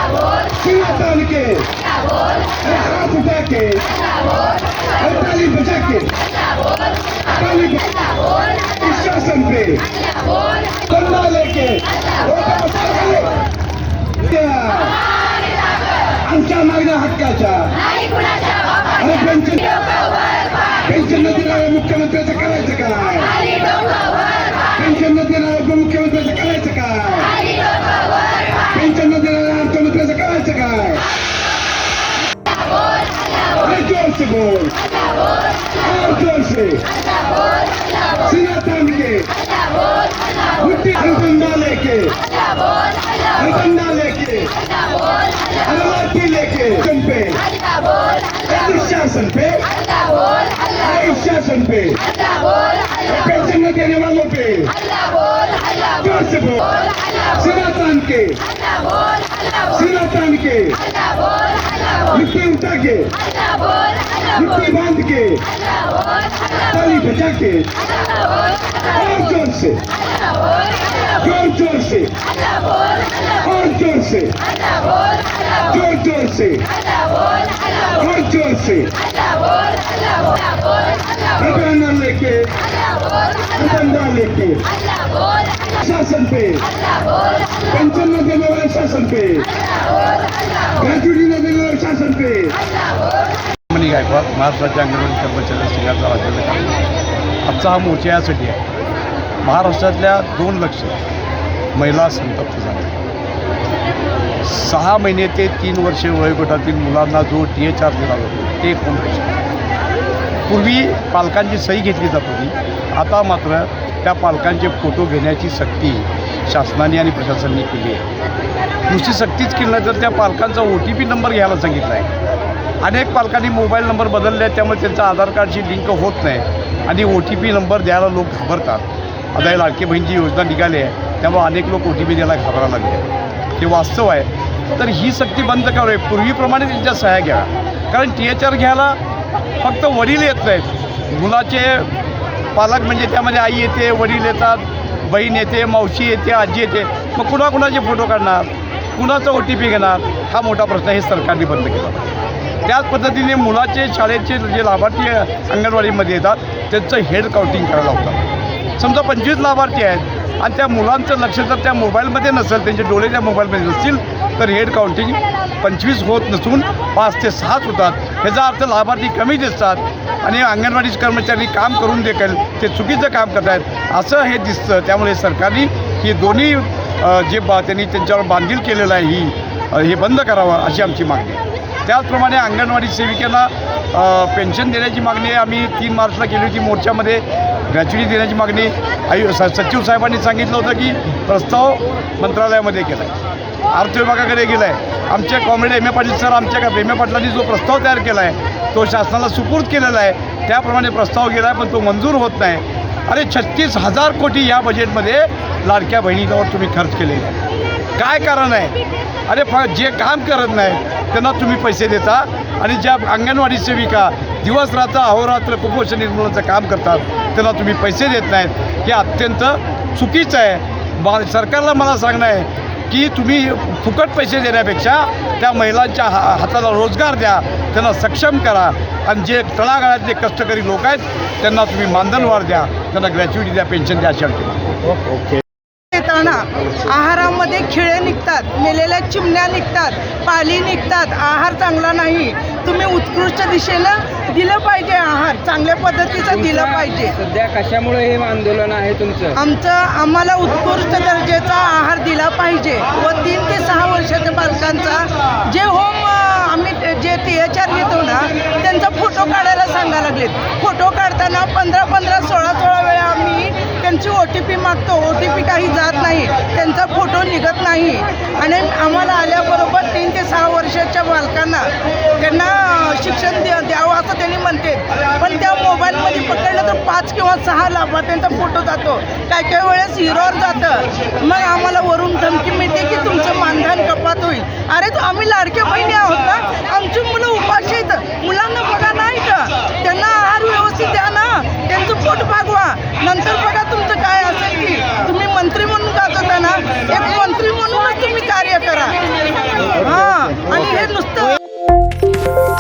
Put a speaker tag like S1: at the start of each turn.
S1: सीना तान के, हाथ उठा के, ताली बजा के, ताली इस शासन पे डंडा लेके आमच्या मागण्या हक्काच्या आणि पेन्शन न देणाऱ्या मुख्यमंत्र्याचं करायचं काय? पेन्शन न देणाऱ्या उपमुख्यमंत्र्याचं करायचं काय? पेन्शन न देणाऱ्या अर्थमंत्र्याचं करायचं काय? अरे जोर से बोल, और जोर से सीना तान के, मुट्ठी डंडा लेके, डंडा लेके, लाठी लेके पे शासन पे, शासन पे, पेंशन न देने वालों पे जोर से बोल, सीना तान के, सीना तान के, मिट्टी उठा के, मिट्टी बांध के, ताली बजा के, और जोर से, जोर जोर से, और जोर से, जोर जोर से, और जोर से, डंडा लेके, डंडा लेके, शासन पे, पेंशन न देने वाले शासन पे, ग्रॅच्युटी न देने वाले शासन पे।
S2: मनी गायकवाड, महाराष्ट्राच्या अंगणवाडी कर्मचारी संघाचा अध्यक्ष। आजचा हा मोर्चा यासाठी आहे, महाराष्ट्रातल्या 2 लाख महिला संतप्त झाल्या। 6 महिने ते 3 वर्षे वयोगटातील मुलांना जो THR दिला जातो ते कोण पैसे? पूर्वी पालकांची सही घेतली जात होती, आता मात्र त्या पालकांचे फोटो घेण्याची सक्ती शासनाने आणि प्रशासनाने केली आहे। नुसती सक्तीच केली नाही तर त्या पालकांचा OTP नंबर घ्यायला सांगितला आहे। अनेक पालकांनी मोबाईल नंबर बदलले आहेत, त्यामुळे त्यांचा आधार कार्डशी लिंक होत नाही आणि OTP नंबर द्यायला लोक घाबरतात। आता ही लाडकी बहीणची योजना निघाली आहे, त्यामुळे अनेक लोक OTP द्यायला घाबरायला लागले। हे वास्तव आहे, तर ही सक्ती बंद करावी, पूर्वीप्रमाणे त्यांच्या सह्या घ्या। कारण THR घ्यायला फक्त वडील येत नाहीत, मुलाचे पालक म्हणजे त्यामध्ये आई येते, वडील येतात, बहीण येते, मावशी येते, आजी येते, मग कुणाकुणाचे फोटो काढणार, कुणाचा OTP घेणार, हा मोठा प्रश्न हे सरकारने बंद केला। त्याच पद्धतीने मुलाचे शाळेचे जे लाभार्थी अंगणवाडीमध्ये येतात त्यांचं हेड काउंटिंग करायला होतं। समजा 25 लाभार्थी आहेत आणि त्या मुलांचं लक्ष जर त्या मोबाईलमध्ये नसेल, त्यांचे डोळे त्या मोबाईलमध्ये नसतील, तर हेड काउंटिंग 25 होत नसून 5 ते 6 होतात। ह्याचा अर्थ लाभार्थी कमी दिसतात आणि अंगणवाडी कर्मचारी काम करून देखील ते चुकीचं काम करत आहेत असं हे दिसतं। त्यामुळे सरकारने ही दोन्ही त्यांनी त्यांच्यावर बांधील केलेलं आहे हे बंद करावं अशी आमची मागणी आहे। त्याचप्रमाणे अंगणवाडी सेविकांना पेन्शन देण्याची मागणी आम्ही 3 मार्चला केली होती मोर्चामध्ये। ग्रॅच्युटी देण्याची मागणी सचिव साहेबांनी सांगितलं होतं की प्रस्ताव मंत्रालयामध्ये केला आहे, अर्थ विभागाकडे गेला आहे। आमचे कॉम्रेड M.A. पाटील सर, आमच्या M.A. पाटलांनी जो प्रस्ताव तयार केला आहे तो शासनाला सुपूर्द केलेला आहे, त्याप्रमाणे प्रस्ताव गेला आहे, पण तो मंजूर होत नाही। अरे 36,000 कोटी या बजेटमध्ये लाडक्या बहिणींवर तुम्ही खर्च केलेले आहे, काय कारण आहे? अरे जे काम करत नाही त्यांना तुम्ही पैसे देता आणि ज्या अंगणवाडी सेविका दिवस रात्र अहोरात्र कुपोषण निर्मूलनाचं काम करतात त्यांना तुम्ही पैसे देत नाहीत, हे अत्यंत चुकीचं आहे। सरकारला मला सांगणं आहे की तुम्ही फुकट पैसे देण्यापेक्षा त्या महिलांच्या हाताला रोजगार द्या, त्यांना सक्षम करा आणि जे तळागाळातले कष्टकरी लोक आहेत त्यांना तुम्ही मानधनवाढ द्या, त्यांना ग्रॅच्युटी द्या, पेन्शन द्या अशा ओके।
S3: आहारामध्ये खिळे निघतात, मेलेल्या चिमण्या निघतात, पाली निघतात, आहार चांगला नाही। तुम्ही उत्कृष्ट दिशेनं दिलं पाहिजे, आहार चांगल्या पद्धतीचं दिलं पाहिजे।
S4: सध्या कशामुळे हे आंदोलन आहे तुमचं?
S3: आम्हाला उत्कृष्ट दर्जाचा आहार दिला पाहिजे व 3 ते 6 वर्षाच्या बालकांचा जे आम्ही जे THR घेतो ना त्यांचा फोटो काढायला सांगायला लागलेत। फोटो काढताना 15-15, 16-16 वेळा आम्ही त्यांची OTP मागतो, OTP काही जात नाही, त्यांचा फोटो निघत नाही आणि आम्हाला आल्याबरोबर 3 ते 6 वर्षाच्या बालकांना त्यांना शिक्षण द्यावं असं त्यांनी म्हणते, पण त्या मोबाईलमध्ये पकडलं तर 5 किंवा 6 लाभार्थ्यांचा फोटो जातो, काही वेळेस हिरोवर जातं। मग आम्हाला वरून धमकी मिळते की तुमचं मानधन कपात होईल। अरे तो आम्ही लाडक्या बहिणी आहोत ना, आमची मुलं उपाशी आहेत, मुलांना बघा नाही का, त्यांना आहार व्यवस्थित द्या ना, त्यांचं पोट भागवा, नंतर बघा तुमचं काय असेल की तुम्ही मंत्री म्हणून जात होता ना, एक मंत्री म्हणूनच तुम्ही कार्य करा। आहे